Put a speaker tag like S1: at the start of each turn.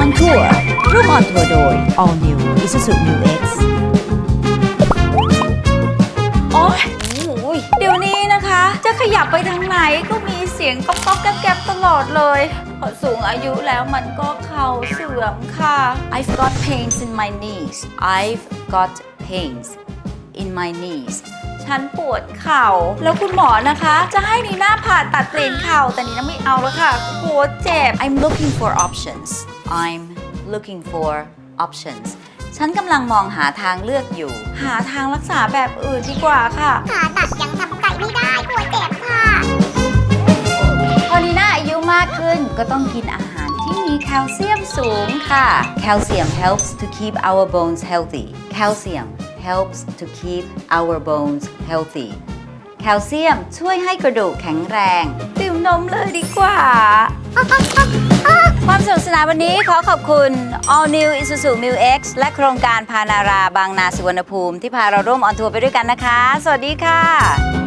S1: ทัวร์ร่วมออนทัวร์โดย All New Isuzu New X โอ๊ยเดี๋ยวนี้นะคะ จะขยับไปทางไหนก็มีเสียงก๊อกๆแก๊บๆตลอดเลยพอสูงอายุแล้วมันก็เข่าเสื่อมค่ะ I've got pains in my knees I've got pains in my knees ฉันปวดเข่าแล้วคุณหมอนะคะจะให้นีน่าผ่าตัดเปลี่ยนเข่าแต่นีน่าไม่เอาแล้วค่ะปวดเจ็บ I'm looking for options I'm looking for options ฉันกำลังมองหาทางเลือกอยู่หาทางรักษาแบบอื่นดีกว่าค่ะ
S2: ผ่าตัดยังทำใจไม่ได้ปวดเจ็บค่ะ
S1: พอนีน่าอายุมากขึ้นก็ต้องกินอาหารที่มีแคลเซียมสูงค่ะ Calcium helps to keep our bones healthy Calcium helps to keep our bones healthy แคลเซียมช่วยให้กระดูกแข็งแรงดื่มนมเลยดีกว่า ความสนุกสนานวันนี้ขอขอบคุณ All New Isuzu Mu X และโครงการพานาราบางนาสุวรรณภูมิที่พาเราร่วมออนทัวร์ไปด้วยกันนะคะ สวัสดีค่ะ